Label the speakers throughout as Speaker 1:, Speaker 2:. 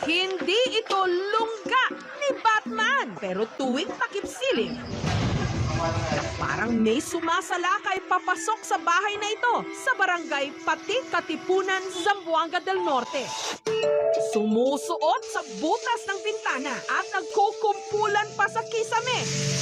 Speaker 1: Hindi ito lungga ni Batman, pero tuwing takip-silim, parang may sumasalakay papasok sa bahay na ito sa barangay Pati, Katipunan, Zamboanga del Norte. Sumusuot sa butas ng bintana at nagkukumpulan pa sa kisame.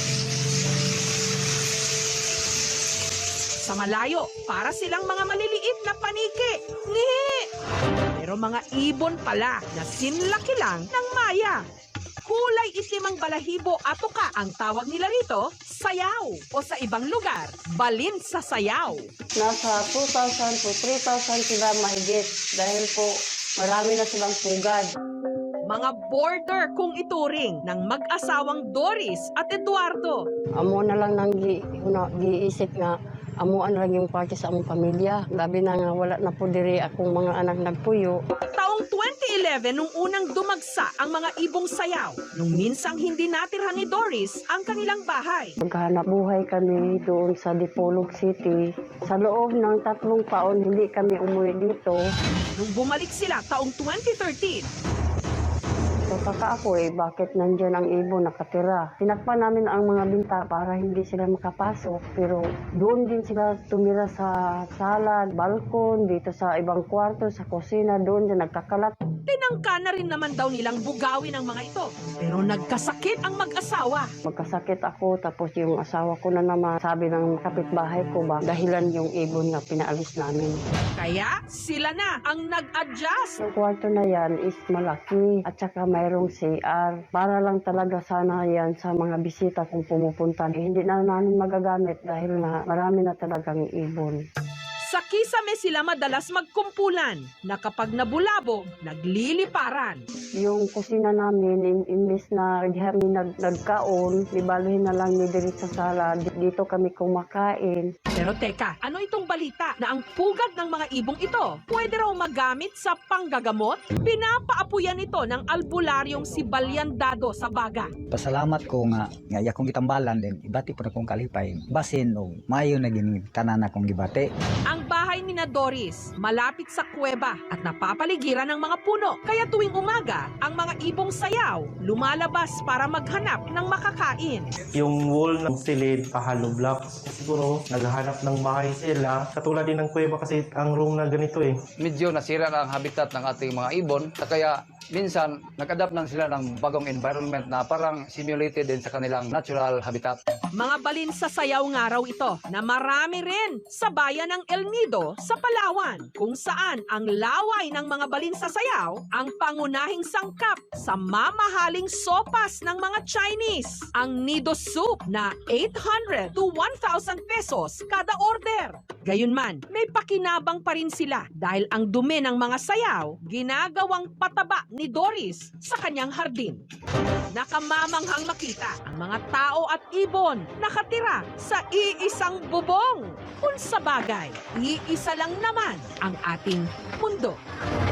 Speaker 1: Sa malayo, para silang mga maliliit na paniki. Ngihi! Pero mga ibon pala na sinlaki lang ng maya. Kulay itim ang balahibo at tuka ang tawag nila rito, sayaw. O sa ibang lugar, balin sa sayaw.
Speaker 2: Nasa 2,000 to 3,000 sila mahigit dahil po marami na silang pugad.
Speaker 1: Mga border kung ituring ng mag-asawang Doris at Eduardo.
Speaker 2: Amo na lang nang giisip nga, amuan lang yung parte sa among pamilya. Labi na nga wala na po diri akong mga anak nagpuyo.
Speaker 1: Taong 2011 nung unang dumagsa ang mga ibong sayaw. Nung minsang hindi natirhan ni Doris ang kanilang bahay.
Speaker 2: Maghanap buhay kami doon sa Dipolog City. Sa loob ng 3 taon, hindi kami umuwi dito.
Speaker 1: Nung bumalik sila taong 2013,
Speaker 2: Tataka ako bakit nandiyan ang ibon nakatira. Tinakpan namin ang mga binta para hindi sila makapasok. Pero doon din sila tumira sa sala, balkon, dito sa ibang kwarto, sa kusina, doon din nagkakalat.
Speaker 1: tinangka na rin naman daw nilang bugawin ang mga ito. Pero nagkasakit ang mag-asawa.
Speaker 2: Magkasakit ako, tapos yung asawa ko na naman sabi ng kapitbahay ko ba, dahilan yung ibon nga pinaalis namin.
Speaker 1: Kaya sila na ang nag-adjust.
Speaker 2: Yung kwarto na yan is malaki at saka mayroong CR. Para lang talaga sana yan sa mga bisita kung pumupunta. Hindi na namin magagamit dahil na marami na talagang ibon.
Speaker 1: Sa kisame sila madalas magkumpulan na kapag nabulabog, nagliliparan.
Speaker 2: Yung kusina namin, imbis na di kami nagkaon, ibaluhin na lang ni diri sa sala. Dito kami kumakain.
Speaker 1: Pero teka, ano itong balita na ang pugad ng mga ibong ito pwede raw magamit sa panggagamot? Pinapaapuyan ito ng albularyong si Balyandado sa Baga.
Speaker 3: Pasalamat ko nga akong gitambalan din ibati po na kong kalipay basin o mayo na gini tanan akong gibati.
Speaker 1: Ang bahay ni na Doris malapit sa kuweba at napapaligiran ng mga puno. Kaya tuwing umaga, ang mga ibong sayaw lumalabas para maghanap ng makakain.
Speaker 4: Yung wall ng silid, hollow blocks, siguro naghahanap ng bahay sila. Katulad din ng kuweba kasi ang room na ganito eh.
Speaker 5: Medyo nasira na ang habitat ng ating mga ibon. Kaya minsan nag-adapt lang sila ng bagong environment na parang simulated din sa kanilang natural habitat.
Speaker 1: Mga balin sa sayaw nga raw ito na marami rin sa bayan ng El Nido sa Palawan, kung saan ang laway ng mga balin sa sayaw ang pangunahing sangkap sa mamahaling sopas ng mga Chinese. Ang Nido soup na 800 to 1,000 pesos kada order. Gayunman, may pakinabang pa rin sila dahil ang dumi ng mga sayaw ginagawang pataba ni Doris sa kanyang hardin. Nakamamanghang makita ang mga tao at ibon nakatira sa iisang bubong. Kung sa bagay, iisa lang naman ang ating mundo.